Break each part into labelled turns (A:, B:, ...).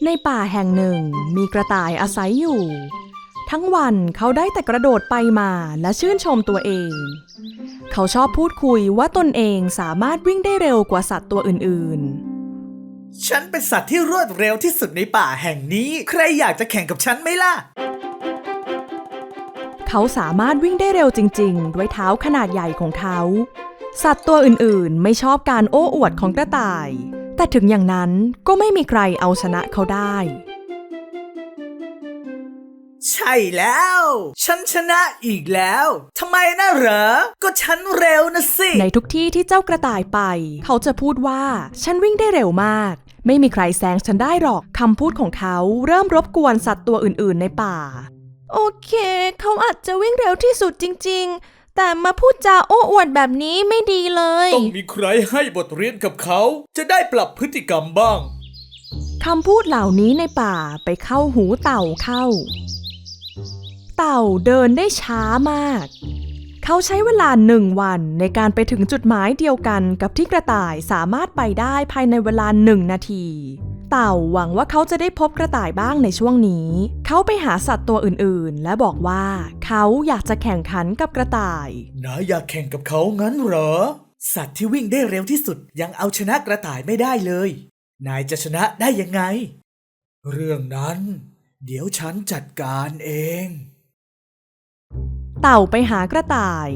A: ในป่าแห่งหนึ่งมีกระต่ายอาศัยอยู่ทั้งวันเขาได้แต่กระโดดไปมาและชื่นชมตัวเองเขาชอบพูดคุยว่าตนเองสามารถวิ่งได้เร็วกว่าสัตว์ตัวอื่น
B: ๆฉันเป็นสัตว์ที่รวดเร็วที่สุดในป่าแห่งนี้ใครอยากจะแข่งกับฉันไหมล่ะ
A: เขาสามารถวิ่งได้เร็วจริงๆด้วยเท้าขนาดใหญ่ของเขาสัตว์ตัวอื่นๆไม่ชอบการโอ้อวดของกระต่ายแต่ถึงอย่างนั้นก็ไม่มีใครเอาชนะเขาได้
B: ใช่แล้วฉันชนะอีกแล้วทำไมนะเหรอก็ฉันเร็วนะสิ
A: ในทุกที่ที่เจ้ากระต่ายไปเขาจะพูดว่าฉันวิ่งได้เร็วมากไม่มีใครแซงฉันได้หรอกคำพูดของเขาเริ่มรบกวนสัตว์ตัวอื่นๆในป่าโอเคเขาอาจจะวิ่งเร็วที่สุดจริงๆแต่มาพูดจาโอ้อวดแบบนี้ไม่ดีเลย
B: ต้องมีใครให้บทเรียนกับเขาจะได้ปรับพฤติกรรมบ้าง
A: คำพูดเหล่านี้ในป่าไปเข้าหูเต่าเข้าเต่าเดินได้ช้ามากเขาใช้เวลา1 วันในการไปถึงจุดหมายเดียวกันกับที่กระต่ายสามารถไปได้ภายในเวลา1 นาทีเต่าหวังว่าเขาจะได้พบกระต่ายบ้างในช่วงนี้เขาไปหาสัตว์ตัวอื่นๆและบอกว่าเขาอยากจะแข่งขันกับกระต่าย
B: นายอยากแข่งกับเขางั้นเหรอสัตว์ที่วิ่งได้เร็วที่สุดยังเอาชนะกระต่ายไม่ได้เลยนายจะชนะได้ยังไงเรื่องนั้นเดี๋ยวฉันจัดการเอง
A: เต่าไปหากระต่าย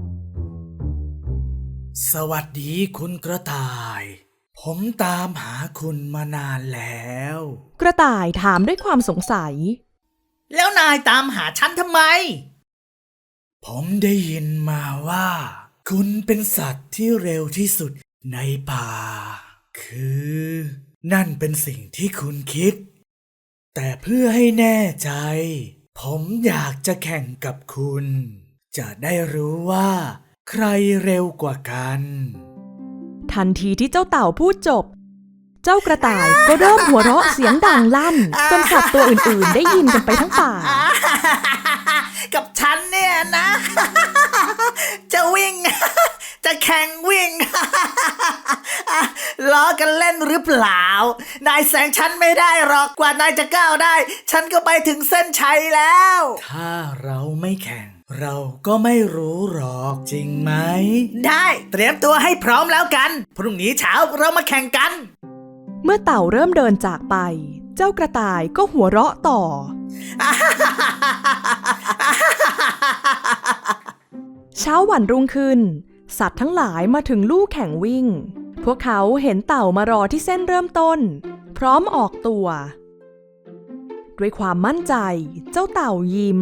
B: สวัสดีคุณกระต่ายผมตามหาคุณมานานแล้ว
A: กระต่ายถามด้วยความสงสัย
B: แล้วนายตามหาฉันทำไมผมได้ยินมาว่าคุณเป็นสัตว์ที่เร็วที่สุดในป่าคือนั่นเป็นสิ่งที่คุณคิดแต่เพื่อให้แน่ใจผมอยากจะแข่งกับคุณจะได้รู้ว่าใครเร็วกว่ากัน
A: ทันทีที่เจ้าเต่าพูดจบเจ้ากระต่ายก็เริ่มหัวเราะเสียงดังลั่นจนสัตว์ตัวอื่นๆได้ยินกันไปทั้งป่า
B: กับฉันเนี่ยนะ จะวิ่ง จะแข่งวิ่ง ล้อกันเล่นหรือเปล่านายแซงฉันไม่ได้หรอกกว่านายจะก้าวได้ฉันก็ไปถึงเส้นชัยแล้วถ้าเราไม่แข่งเราก็ไม่รู้หรอกจริงไหมได้เตรียมตัวให้พร้อมแล้วกันพรุ่งนี้เช้าเรามาแข่งกัน
A: เมื่อเต่าเริ่มเดินจากไปเจ้ากระต่ายก็หัวเราะต่อ เช้าวันรุ่งขึ้นสัตว์ทั้งหลายมาถึงลู่แข่งวิ่งพวกเขาเห็นเต่ามารอที่เส้นเริ่มต้นพร้อมออกตัวด้วยความมั่นใจเจ้าเต่ายิ้ม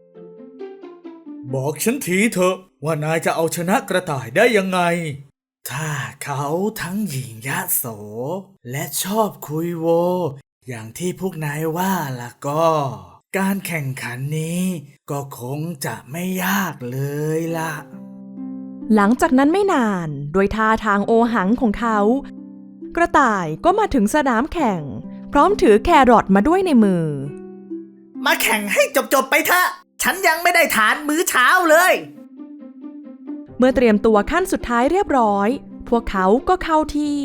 B: บอกฉันทีเถอะว่านายจะเอาชนะกระต่ายได้ยังไงถ้าเขาทั้งหยิ่งยโสและชอบคุยโวอย่างที่พวกนายว่าล่ะก็การแข่งขันนี้ก็คงจะไม่ยากเลยล่ะ
A: หลังจากนั้นไม่นานโดยท่าทางโอหังของเขากระต่ายก็มาถึงสนามแข่งพร้อมถือแครอทมาด้วยในมือ
B: มาแข่งให้จบๆไปเถอะฉันยังไม่ได้ทานมื้อเช้าเลย
A: เมื่อเตรียมตัวขั้นสุดท้ายเรียบร้อยพวกเขาก็เข้าที่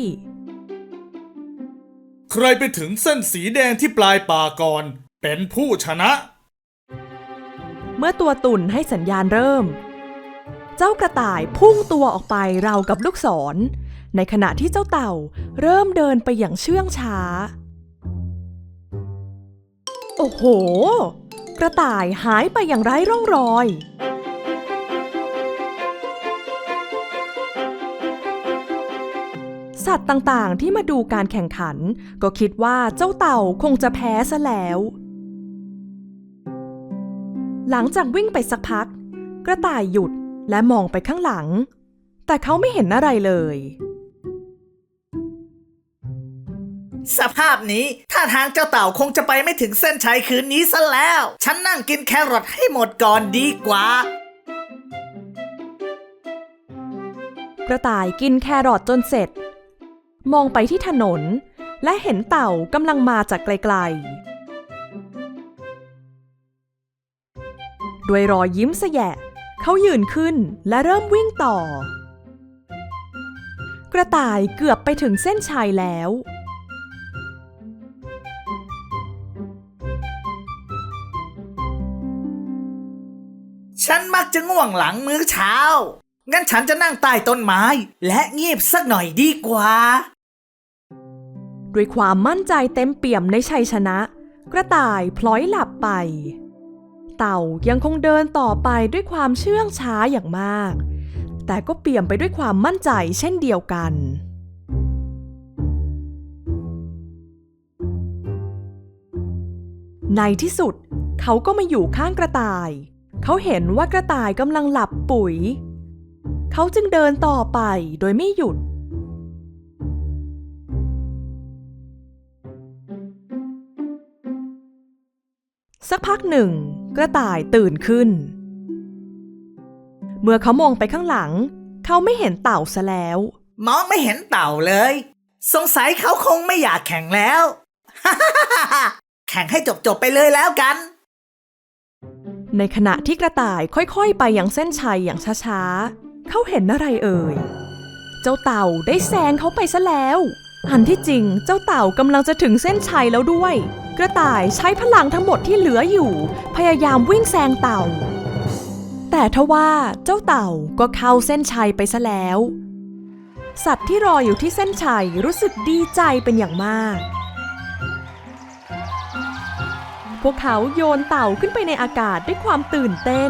B: ใครไปถึงเส้นสีแดงที่ปลายป่าก่อนเป็นผู้ชนะ
A: เมื่อตัวตุ่นให้สัญญาณเริ่มเจ้ากระต่ายพุ่งตัวออกไปราวกับลูกศรในขณะที่เจ้าเต่าเริ่มเดินไปอย่างเชื่องช้าโอ้โหกระต่ายหายไปอย่างไร้ร่องรอยสัตว์ต่างๆที่มาดูการแข่งขันก็คิดว่าเจ้าเต่าคงจะแพ้ซะแล้วหลังจากวิ่งไปสักพักกระต่ายหยุดและมองไปข้างหลังแต่เขาไม่เห็นอะไรเลย
B: สภาพนี้ท่าทางเจ้าเต่าคงจะไปไม่ถึงเส้นชัยคืนนี้ซะแล้วฉันนั่งกินแครอทให้หมดก่อนดีกว่าก
A: ระต่ายกินแครอทจนเสร็จมองไปที่ถนนและเห็นเต่ากำลังมาจากไกลๆด้วยรอยยิ้มแสยะเขายืนขึ้นและเริ่มวิ่งต่อกระต่ายเกือบไปถึงเส้นชัยแล้ว
B: กจะง่วงหลังมื้อเช้า งั้นฉันจะนั่งใต้ต้นไม้และเงียบสักหน่อยดีกว่า
A: ด้วยความมั่นใจเต็มเปี่ยมในชัยชนะ กระต่ายพลอยหลับไป เต่ายังคงเดินต่อไปด้วยความเชื่องช้าอย่างมาก แต่ก็เปี่ยมไปด้วยความมั่นใจเช่นเดียวกัน ในที่สุดเขาก็มาอยู่ข้างกระต่าย เขาเห็นว่ากระต่ายกำลังหลับปุ๋ย เขาจึงเดินต่อไปโดยไม่หยุด สักพักหนึ่งกระต่ายตื่นขึ้น เมื่อเขามองไปข้างหลังเขาไม่เห็นเต่าซะแล้ว
B: มองไม่เห็นเต่าเลย สงสัยเขาคงไม่อยากแข่งแล้ว แข่งให้จบๆไปเลยแล้วกัน
A: ในขณะที่กระต่ายค่อยๆไปยังเส้นชัยอย่างช้าๆเขาเห็นอะไรเอ่ย เจ้าเต่าได้แซงเขาไปซะแล้ว อันที่จริงเจ้าเต่ากำลังจะถึงเส้นชัยแล้วด้วย กระต่ายใช้พลังทั้งหมดที่เหลืออยู่พยายามวิ่งแซงเต่า แต่ทว่าเจ้าเต่าก็เข้าเส้นชัยไปซะแล้ว สัตว์ที่รออยู่ที่เส้นชัยรู้สึกดีใจเป็นอย่างมาก พวกเขาโยนเต่าขึ้นไปในอากาศด้วยความตื่นเต้น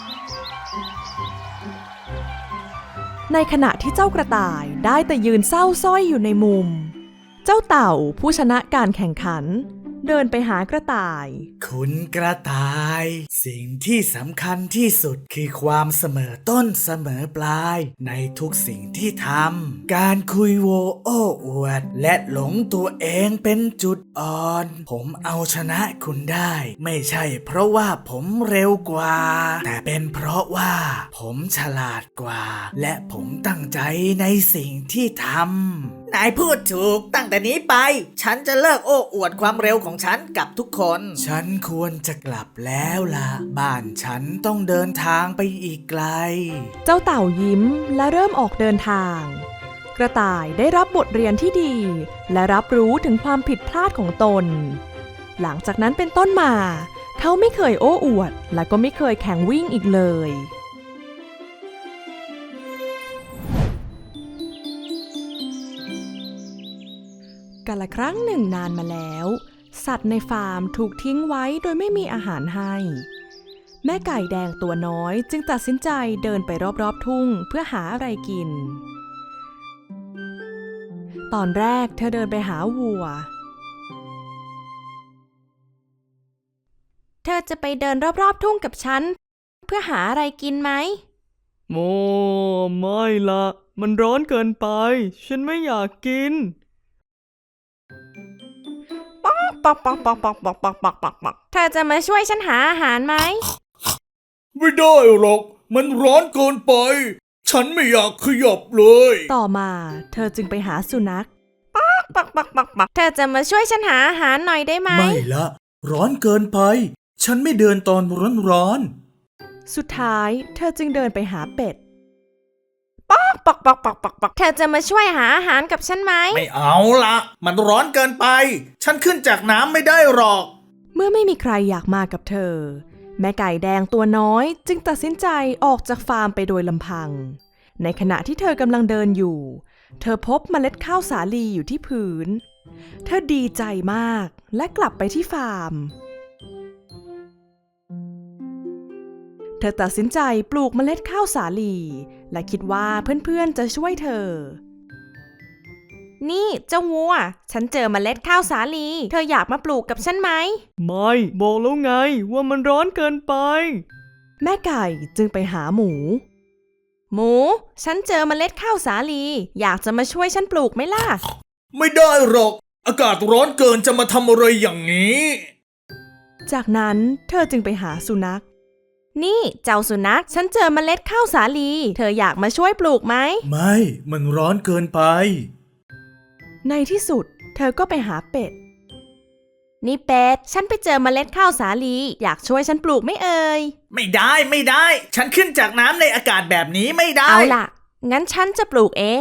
A: ในขณะที่เจ้ากระต่ายได้แต่ยืนเศร้าสร้อยอยู่ในมุม เจ้าเต่าผู้ชนะการแข่งขันเดินไปหากระต่าย
B: คุณกระต่าย สิ่งที่สำคัญที่สุดคือความเสมอต้นเสมอปลายในทุกสิ่งที่ทำการคุยโวโอ้อวดและหลงตัวเองเป็นจุดอ่อน ผมเอาชนะคุณได้ ไม่ใช่เพราะว่าผมเร็วกว่า แต่เป็นเพราะว่าผมฉลาดกว่า และผมตั้งใจในสิ่งที่ทำนายพูดถูกตั้งแต่นี้ไป ฉันจะเลิกโอ้อวดความเร็วของฉันกับทุกคน ฉันควรจะกลับแล้วล่ะ บ้านฉันต้องเดินทางไปอีกไกล
A: เจ้าเต่ายิ้มและเริ่มออกเดินทาง กระต่ายได้รับบทเรียนที่ดีและรับรู้ถึงความผิดพลาดของตน หลังจากนั้นเป็นต้นมา เขาไม่เคยโอ้อวดและก็ไม่เคยแข่งวิ่งอีกเลยกาลครั้งหนึ่งนานมาแล้ว สัตว์ในฟาร์มถูกทิ้งไว้โดยไม่มีอาหารให้ แม่ไก่แดงตัวน้อยจึงตัดสินใจเดินไปรอบๆทุ่งเพื่อหาอะไรกิน ตอนแรกเธอเดินไปหาวัว เธอจะไปเดินรอบๆทุ่งกับฉันเพื่อหาอะไรกินไหม
C: โอ้ไม่ละมันร้อนเกินไปฉันไม่อยากกิน
A: เธอจะมาช่วยฉันหาอาหารไหม
B: ไม่ได้หรอก มันร้อนเกินไป ฉันไม่อยากขยับเลย
A: ต่อมาเธอจึงไปหาสุนัข เธอจะมาช่วยฉันหาอาหารหน่อยได้ไหม
B: ไม่ละ ร้อนเกินไป ฉันไม่เดินตอนร้อน
A: สุดท้ายเธอจึงเดินไปหาเป็ด เธอจะมาช่วยหาอาหารกับฉันไหม
B: ไม่เอาละมันร้อนเกินไป ฉันขึ้นจากน้ำไม่ได้หรอก
A: เมื่อไม่มีใครอยากมากับเธอ แม่ไก่แดงตัวน้อยจึงตัดสินใจออกจากฟาร์มไปโดยลำพัง ในขณะที่เธอกำลังเดินอยู่ เธอพบเมล็ดข้าวสาลีอยู่ที่พื้น เธอดีใจมากและกลับไปที่ฟาร์ม เธอตัดสินใจปลูกเมล็ดข้าวสาลีและคิดว่าเพื่อนๆจะช่วยเธอ นี่เจ้าวัว ฉันเจอเมล็ดข้าวสาลี เธออยากมาปลูกกับฉันไหม
C: ไม่บอกแล้วไงว่ามันร้อนเกินไป
A: แม่ไก่จึงไปหาหมู หมู ฉันเจอเมล็ดข้าวสาลี อยากจะมาช่วยฉันปลูกไหมล่ะ
B: ไม่ได้หรอก อากาศร้อนเกินจะมาทำอะไรอย่างนี้
A: จากนั้นเธอจึงไปหาสุนัข นี่เจ้าสุนัข ฉันเจอเมล็ดข้าวสาลี เธออยากมาช่วยปลูกไหม
B: ไม่ มันร้อนเกินไป
A: ในที่สุดเธอก็ไปหาเป็ด นี่เป็ด ฉันไปเจอเมล็ดข้าวสาลี อยากช่วยฉันปลูกไหมเอ่ย
B: ไม่ได้ไม่ได้ ฉันขึ้นจากน้ำในอากาศแบบนี้ไม่ได้
A: เอาล่ะ งั้นฉันจะปลูกเอง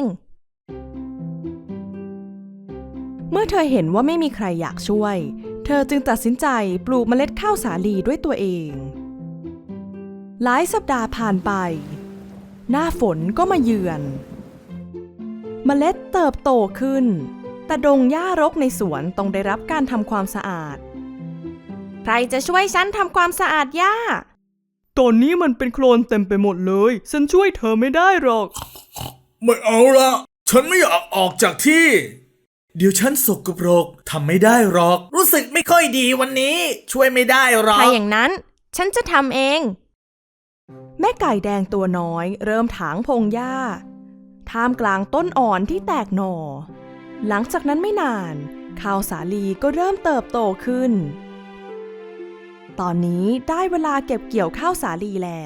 A: เมื่อเธอเห็นว่าไม่มีใครอยากช่วย เธอจึงตัดสินใจปลูกเมล็ดข้าวสาลีด้วยตัวเองหลายสัปดาห์ผ่านไป หน้าฝนก็มาเยือน เมล็ดเติบโตขึ้น แต่ดงหญ้ารกในสวนต้องได้รับการทำความสะอาด ใครจะช่วยฉันทำความสะอาดหญ้า
C: ตอนนี้มันเป็นโคลนเต็มไปหมดเลย ฉันช่วยเธอไม่ได้หรอก
B: ไม่เอาละฉันไม่อยากออกจากที่ เดี๋ยวฉันสกปรกทำไม่ได้หรอก รู้สึกไม่ค่อยดีวันนี้ ช่วยไม่ได้หรอก
A: ถ้าอย่างนั้นฉันจะทำเอง แม่ไก่แดงตัวน้อยเริ่มถางพงหญ้าท่ามกลางต้นอ่อนที่แตกหน่อ หลังจากนั้นไม่นานข้าวสาลีก็เริ่มเติบโตขึ้น ตอนนี้ได้เวลาเก็บเกี่ยวข้าวสาลีแล้ว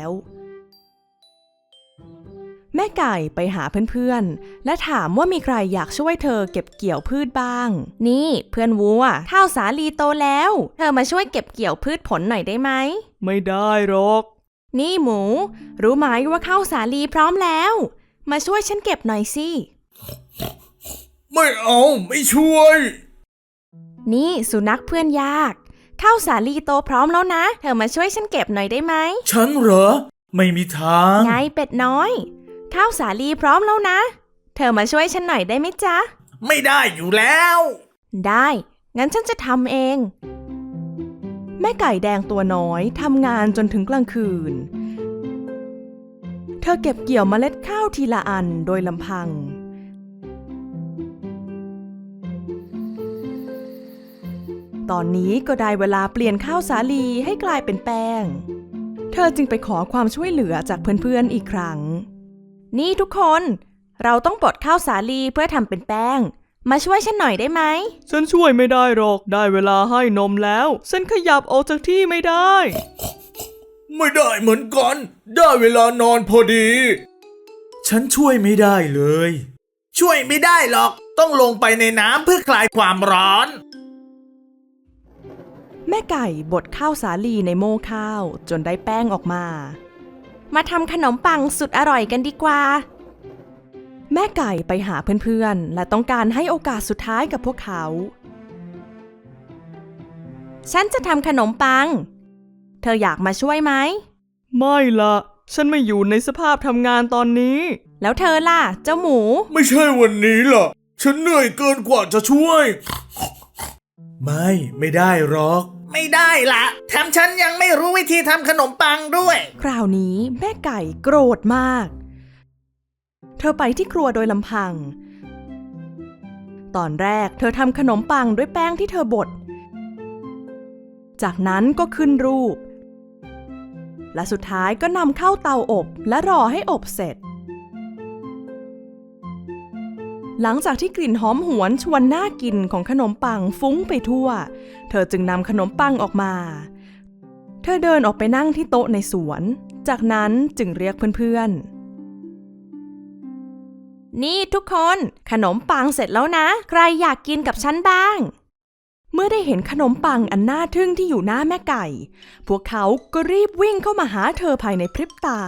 A: แม่ไก่ไปหาเพื่อนๆและถามว่ามีใครอยากช่วยเธอเก็บเกี่ยวพืชบ้าง นี่เพื่อนวัวข้าวสาลีโตแล้ว เธอมาช่วยเก็บเกี่ยวพืชผลหน่อยได้ไหม
C: ไม่ได้หรอก
A: นี่หมู รู้ไหมว่าข้าวสาลีพร้อมแล้ว มาช่วยฉันเก็บหน่อยสิ
B: ไม่เอาไม่ช่วย
A: นี่สุนัขเพื่อนยากข้าวสาลีโตพร้อมแล้วนะ เธอมาช่วยฉันเก็บหน่อยได้ไหม
B: ฉันเหรอ ไม่มีทาง
A: ไงเป็ดน้อยข้าวสาลีพร้อมแล้วนะ เธอมาช่วยฉันหน่อยได้ไหมจ๊ะ
B: ไม่ได้อยู่แล้ว
A: ได้งั้นฉันจะทำเอง แม่ไก่แดงตัวน้อยทำงานจนถึงกลางคืน เธอเก็บเกี่ยวเมล็ดข้าวทีละอันโดยลำพัง ตอนนี้ก็ได้เวลาเปลี่ยนข้าวสาลีให้กลายเป็นแป้ง เธอจึงไปขอความช่วยเหลือจากเพื่อนๆอีกครั้ง นี่ทุกคนเราต้องบดข้าวสาลีเพื่อทำเป็นแป้ง มาช่วยฉันหน่อยได้ไหม
C: ฉันช่วยไม่ได้หรอก ได้เวลาให้นมแล้ว ฉันขยับออกจากที่ไม่ได้
B: ไม่ได้เหมือนกัน ได้เวลานอนพอดี ฉันช่วยไม่ได้เลย ช่วยไม่ได้หรอก ต้องลงไปในน้ำเพื่อคลายความร้อน
A: แม่ไก่บดข้าวสาลีในโม่ข้าวจนได้แป้งออกมา มาทำขนมปังสุดอร่อยกันดีกว่า แม่ไก่ไปหาเพื่อนๆและต้องการให้โอกาสสุดท้ายกับพวกเขา ฉันจะทำขนมปัง เธออยากมาช่วยไหม
C: ไม่ละฉันไม่อยู่ในสภาพทำงานตอนนี้
A: แล้วเธอล่ะเจ้าหมู
B: ไม่ใช่วันนี้ล่ะ ฉันเหนื่อยเกินกว่าจะช่วย ไม่ได้หรอก ไม่ได้ละแถมฉันยังไม่รู้วิธีทำขนมปังด้วย
A: คราวนี้แม่ไก่โกรธมาก เธอไปที่ครัวโดยลำพัง ตอนแรกเธอทำขนมปังด้วยแป้งที่เธอบด จากนั้นก็ขึ้นรูป และสุดท้ายก็นำเข้าเตาอบและรอให้อบเสร็จ หลังจากที่กลิ่นหอมหวนชวนน่ากินของขนมปังฟุ้งไปทั่ว เธอจึงนำขนมปังออกมา เธอเดินออกไปนั่งที่โต๊ะในสวน จากนั้นจึงเรียกเพื่อนๆ นี่ทุกคนขนมปังเสร็จแล้วนะ ใครอยากกินกับฉันบ้าง เมื่อได้เห็นขนมปังอันน่าทึ่งที่อยู่หน้าแม่ไก่ พวกเขาก็รีบวิ่งเข้ามาหาเธอภายในพริบตา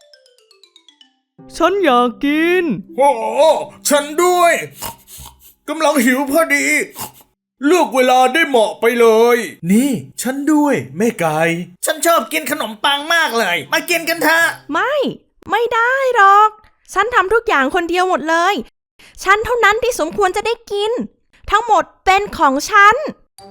C: ฉันอยากกิน
B: โอ้ฉันด้วยกำลังหิวพอดี เลือกเวลาได้เหมาะไปเลย นี่ฉันด้วยแม่ไก่ ฉันชอบกินขนมปังมากเลย มากินกันเถอะ
A: ไม่ได้หรอก ฉันทำทุกอย่างคนเดียวหมดเลย ฉันเท่านั้นที่สมควรจะได้กิน ทั้งหมดเป็นของฉัน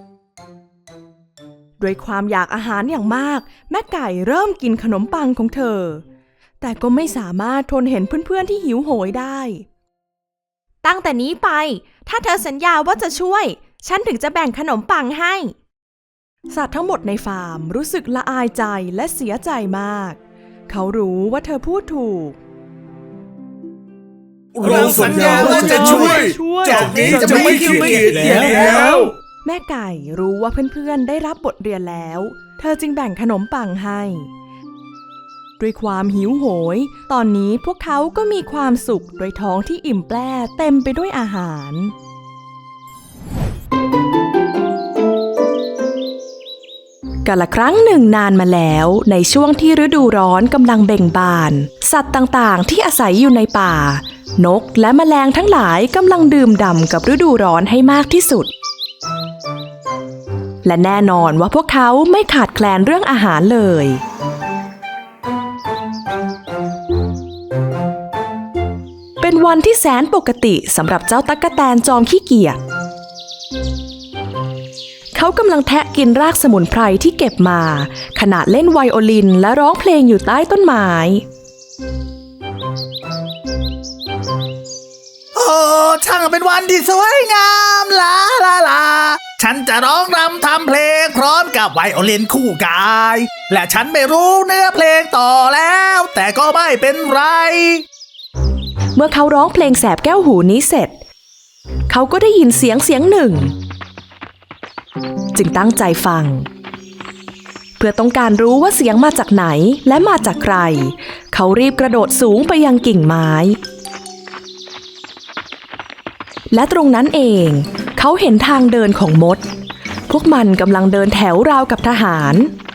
A: ด้วยความอยากอาหารอย่างมากแม่ไก่เริ่มกินขนมปังของเธอ แต่ก็ไม่สามารถทนเห็นเพื่อนๆที่หิวโหยได้ ตั้งแต่นี้ไปถ้าเธอสัญญาว่าจะช่วย ฉันถึงจะแบ่งขนมปังให้ สัตว์ทั้งหมดในฟาร์มรู้สึกละอายใจและเสียใจมาก เขารู้ว่าเธอพูดถูก
B: เราสัญญาว่าจะช่วยจากนี้จะไม่ขี้เกียจแล้ว
A: แม่ไก่รู้ว่าเพื่อนๆได้รับบทเรียนแล้ว เธอจึงแบ่งขนมปังให้ ด้วยความหิวโหย ตอนนี้พวกเขาก็มีความสุขโดยท้องที่อิ่มแปร่เต็มไปด้วยอาหาร กาลครั้งหนึ่งนานมาแล้วในช่วงที่ฤดูร้อนกำลังเบ่งบาน สัตว์ต่างๆที่อาศัยอยู่ในป่านกและแมลงทั้งหลายกำลังดื่มด่ำกับฤดูร้อนให้มากที่สุด และแน่นอนว่าพวกเขาไม่ขาดแคลนเรื่องอาหารเลยวันที่แสนปกติสำหรับเจ้าตั๊กแตนจอมขี้เกียจเขากำลังแทะกินรากสมุนไพรที่เก็บมาขณะเล่นไวโอลินและร้องเพลงอยู่ใต้ต้นไม้
B: โอ้ช่างเป็นวันที่สวยงามลาลาลาฉันจะร้องรำทำเพลงพร้อมกับไวโอลินคู่กาย และฉันไม่รู้เนื้อเพลงต่อแล้ว แต่ก็ไม่เป็นไร
A: เมื่อเขาร้องเพลงแสบแก้วหูนี้เสร็จเขาก็ได้ยินเสียงหนึ่งจึงตั้งใจฟังเพื่อต้องการรู้ว่าเสียงมาจากไหนและมาจากใครเขารีบกระโดดสูงไปยังกิ่งไม้และตรงนั้นเองเขาเห็นทางเดินของมดพวกมันกำลังเดินแถวราวกับทหาร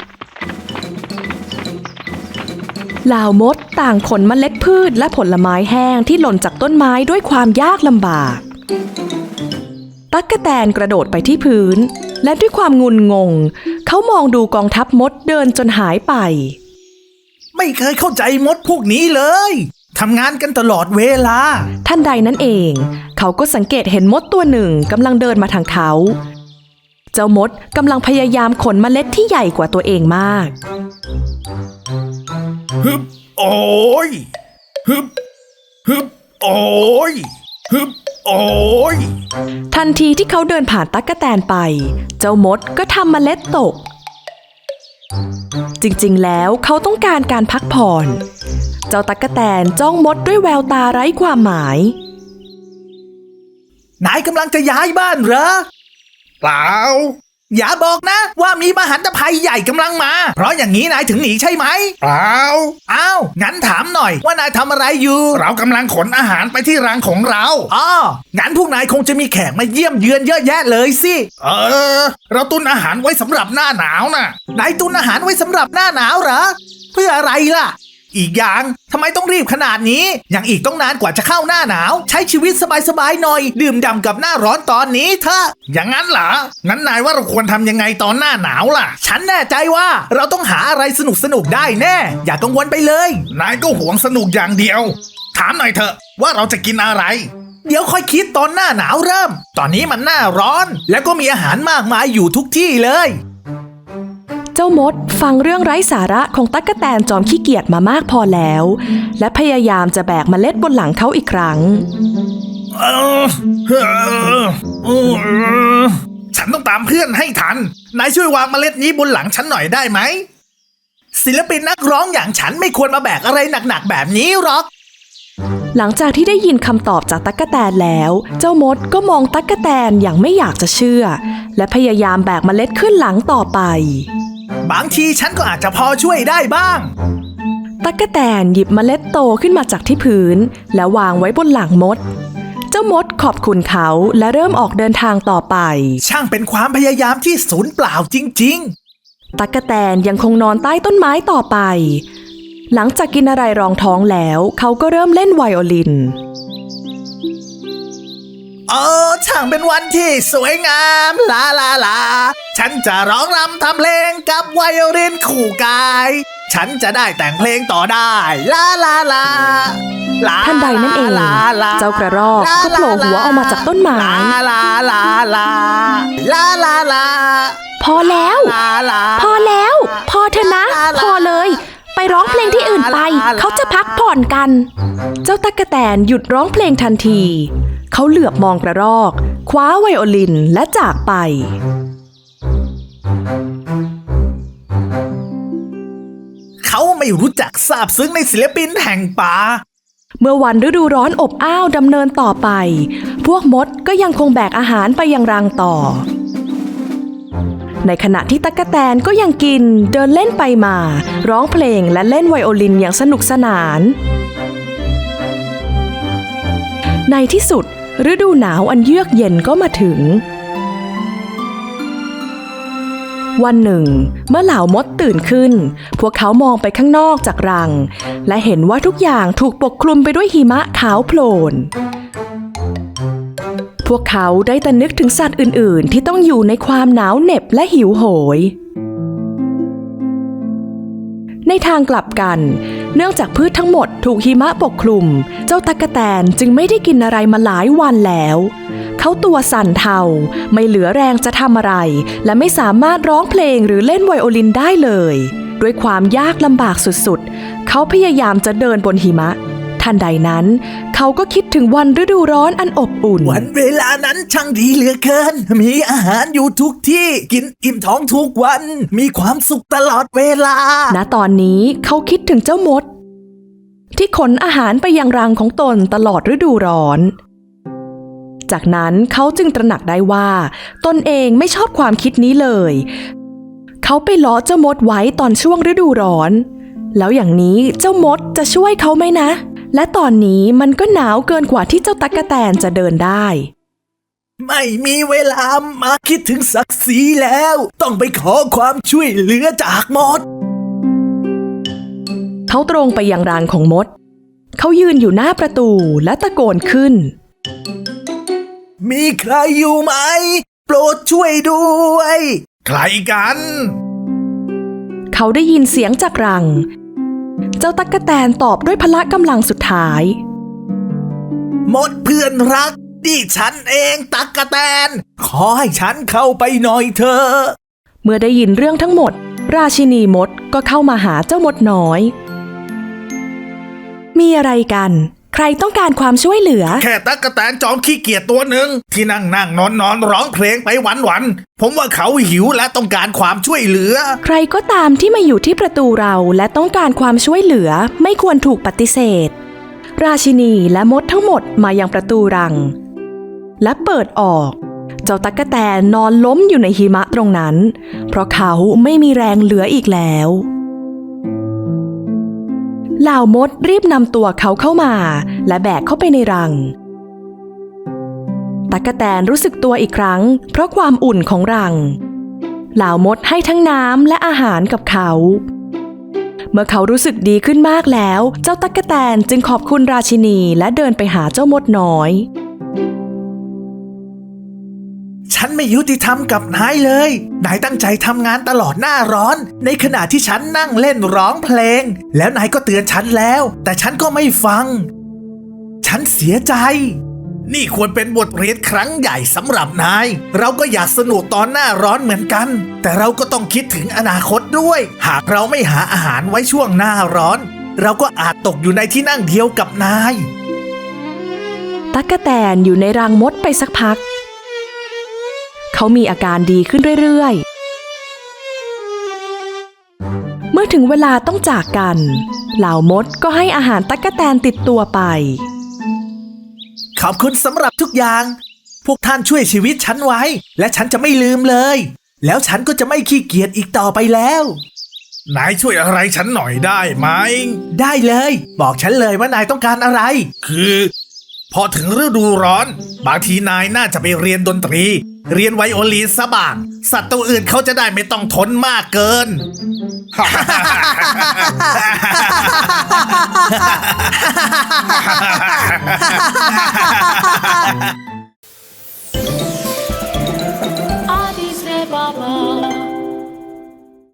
A: เหล่ามดต่างขนเมล็ดพืชและผลไม้แห้งที่หล่นจากต้นไม้ด้วยความยากลำบากตั๊กแตนกระโดดไปที่พื้นและด้วยความงุนงงเขามองดูกองทัพมดเดินจนหายไป
B: ไม่เคยเข้าใจมดพวกนี้เลยทำงานกันตลอดเวลา
A: ทันใดนั้นเองเขาก็สังเกตเห็นมดตัวหนึ่งกำลังเดินมาทางเขาเจ้ามดกำลังพยายามขนเมล็ดที่ใหญ่กว่าตัวเองมาก
B: ฮึบโอ้ยฮึบฮึบโอ้ยฮึบโอ้ย
A: ทันทีที่เขาเดินผ่านตั๊กแตนไปเจ้ามดก็ทำเมล็ดตกจริงๆแล้วเขาต้องการการพักผ่อนเจ้าตั๊กแตนจ้องมดด้วยแววตาไร้ความหมาย
B: นายกำลังจะย้ายบ้านเหรอเปล่าอย่าบอกนะว่ามีมหันตภัยใหญ่กำลังมาเพราะอย่างนี้นายถึงหนีใช่ไหมเปล่าอ้าวงั้นถามหน่อยว่านายทำอะไรอยู่เรากำลังขนอาหารไปที่รังของเราอ๋องั้นพวกนายคงจะมีแขกมาเยี่ยมเยือนเยอะแยะเลยสิเราตุนอาหารไว้สำหรับหน้าหนาวน่ะนายตุนอาหารไว้สำหรับหน้าหนาวเหรอเพื่ออะไรล่ะอีกอย่างทำไมต้องรีบขนาดนี้ยังอีกต้องนานกว่าจะเข้าหน้าหนาวใช้ชีวิตสบายๆหน่อยดื่มด่ำกับหน้าร้อนตอนนี้เถอะอย่างนั้นเหรองั้นนายว่าเราควรทำยังไงตอนหน้าหนาวล่ะฉันแน่ใจว่าเราต้องหาอะไรสนุกได้แน่อย่ากังวลไปเลยนายก็หวงสนุกอย่างเดียวถามหน่อยเถอะว่าเราจะกินอะไรเดี๋ยวค่อยคิดตอนหน้าหนาวเริ่มตอนนี้มันหน้าร้อนแล้วก็มีอาหารมากมายอยู่ทุกที่เลย
A: เจ้ามดฟังเรื่องไร้สาระของตั๊กแตนจอมขี้เกียจมามากพอแล้วและพยายามจะแบกเมล็ดบนหลังเขาอีกครั้ง
B: ฉันต้องตามเพื่อนให้ทันนายช่วยวางเมล็ดนี้บนหลังฉันหน่อยได้ไหมศิลปินนักร้องอย่างฉันไม่ควรมาแบกอะไรหนักๆแบบนี้หรอก
A: หลังจากที่ได้ยินคำตอบจากตั๊กแตนแล้วเจ้ามดก็มองตั๊กแตนอย่างไม่อยากจะเชื่อและพยายามแบกเมล็ดขึ้นหลังต่อไป
B: บางทีฉันก็อาจจะพอช่วยได้บ้าง
A: ตั๊กแตนหยิบเมล็ดโตขึ้นมาจากที่พื้นแล้ววางไว้บนหลังมดเจ้ามดขอบคุณเขาและเริ่มออกเดินทางต่อไป
B: ช่างเป็นความพยายามที่สูญเปล่าจริง
A: ๆตั๊กแตนยังคงนอนใต้ต้นไม้ต่อไปหลังจากกินอะไรรองท้องแล้วเขาก็เริ่มเล่นไวโอลิน
B: ช่างเป็นวันที่สวยงามลาลาลาฉันจะร้องรำทำเพลงกับไวโอลินคู่กายฉันจะได้แต่งเพลงต่อได้ลาลาลา
A: ทันใดนั้นเองเจ้ากระรอกก็โผล่หัวออกมาจากต้นไม้
B: ลาลาลาลาลาลา
A: พอแล้วพอแล้วพอเถอะนะพอเลยไปร้องเพลงที่อื่นไปเขาจะพักผ่อนกันเจ้าตั๊กแตนหยุดร้องเพลงทันทีเขาเหลือบมองกระรอกคว้าไวโอลินและจากไป
B: เขาไม่รู้จักซาบซึ้งในศิลปินแห่งป่า
A: เมื่อวันฤดูร้อนอบอ้าวดำเนินต่อไปพวกมดก็ยังคงแบกอาหารไปยังรังต่อในขณะที่ตั๊กแตนก็ยังกินเดินเล่นไปมาร้องเพลงและเล่นไวโอลินอย่างสนุกสนานในที่สุดฤดูหนาวอันเยือกเย็นก็มาถึงวันหนึ่งเมื่อเหล่ามดตื่นขึ้นพวกเขามองไปข้างนอกจากรังและเห็นว่าทุกอย่างถูกปกคลุมไปด้วยหิมะขาวโพลนพวกเขาได้แต่นึกถึงสัตว์อื่นๆที่ต้องอยู่ในความหนาวเหน็บและหิวโหยในทางกลับกัน เนื่องจากพืชทั้งหมดถูกหิมะปกคลุม เจ้าตั๊กแตนจึงไม่ได้กินอะไรมาหลายวันแล้ว เขาตัวสั่นเทาไม่เหลือแรงจะทำอะไร และไม่สามารถร้องเพลงหรือเล่นไวโอลินได้เลย ด้วยความยากลำบากสุดๆ เขาพยายามจะเดินบนหิมะ ทันใดนั้น เขาก็คิดถึงวันฤดูร้อนอันอบอุ่น
B: วันเวลานั้นช่างดีเหลือเกิน มีอาหารอยู่ทุกที่กินอิ่มท้องทุกวัน มีความสุขตลอดเวลา
A: ณ ตอนนี้เขาคิดถึงเจ้ามด ที่ขนอาหารไปยังรังของตนตลอดฤดูร้อน จากนั้นเขาจึงตระหนักได้ว่าตนเองไม่ชอบความคิดนี้เลย เขาไปล้อเจ้ามดไว้ตอนช่วงฤดูร้อน แล้วอย่างนี้เจ้ามดจะช่วยเขาไหมนะ และตอนนี้มันก็หนาวเกินกว่าที่เจ้าตั๊กแตนจะเดินได้
B: ไม่มีเวลามาคิดถึงศักดิ์ศรีแล้ว ต้องไปขอความช่วยเหลือจากมด
A: เขาตรงไปยังรังของมด เขายืนอยู่หน้าประตูและตะโกนขึ้น
B: มีใครอยู่ไหม โปรดช่วยด้วย ใครกัน
A: เขาได้ยินเสียงจากรัง เจ้าตั๊กแตนตอบด้วยพละกำลังสุดท้าย
B: มดเพื่อนรักนี่ฉันเองตั๊กแตน ขอให้ฉันเข้าไปหน่อยเถอะ
A: เมื่อได้ยินเรื่องทั้งหมด ราชินีมดก็เข้ามาหาเจ้ามดน้อย มีอะไรกัน ใครต้องการความช่วยเหลือ
B: แค่ตั๊กแตนจอมขี้เกียจตัวหนึ่งที่นั่งนอนร้องเพลงไปวันผมว่าเขาหิวและต้องการความช่วยเหลือ
A: ใครก็ตามที่มาอยู่ที่ประตูเราและต้องการความช่วยเหลือไม่ควรถูกปฏิเสธ ราชินีและมดทั้งหมดมายังประตูรัง และเปิดออก เจ้าตั๊กแตนนอนล้มอยู่ในหิมะตรงนั้น เพราะเขาไม่มีแรงเหลืออีกแล้วเหล่ามดรีบนำตัวเขาเข้ามาและแบกเข้าไปในรัง ตั๊กแตนรู้สึกตัวอีกครั้งเพราะความอุ่นของรังเหล่ามดให้ทั้งน้ำและอาหารกับเขา เมื่อเขารู้สึกดีขึ้นมากแล้วเจ้าตั๊กแตนจึงขอบคุณราชินีและเดินไปหาเจ้ามดน้อย
B: ฉันไม่ยุติธรรมกับนายเลย นายตั้งใจทำงานตลอดหน้าร้อน ในขณะที่ฉันนั่งเล่นร้องเพลง แล้วนายก็เตือนฉันแล้ว แต่ฉันก็ไม่ฟัง ฉันเสียใจ นี่ควรเป็นบทเรียนครั้งใหญ่สำหรับนาย เราก็อยากสนุกตอนหน้าร้อนเหมือนกัน แต่เราก็ต้องคิดถึงอนาคตด้วย หากเราไม่หาอาหารไว้ช่วงหน้าร้อน เราก็อาจตกอยู่ในที่นั่งเดียวกับนาย
A: ตั๊กแตนอยู่ในรังมดไปสักพัก เขามีอาการดีขึ้นเรื่อยๆ เมื่อถึงเวลาต้องจากกันเหล่ามดก็ให้อาหารตั๊กแตนติดตัวไป
B: ขอบคุณสำหรับทุกอย่าง พวกท่านช่วยชีวิตฉันไว้ และฉันจะไม่ลืมเลย แล้วฉันก็จะไม่ขี้เกียจอีกต่อไปแล้ว นายช่วยอะไรฉันหน่อยได้ไหม ได้เลย บอกฉันเลยว่านายต้องการอะไร คือ พอถึงฤดูร้อน บางทีนายน่าจะไปเรียนดนตรี เรียนไวโอลินซะบ้าง สัตว์ตัวอื่นเขาจะได้ไม่ต้องทนมากเกิน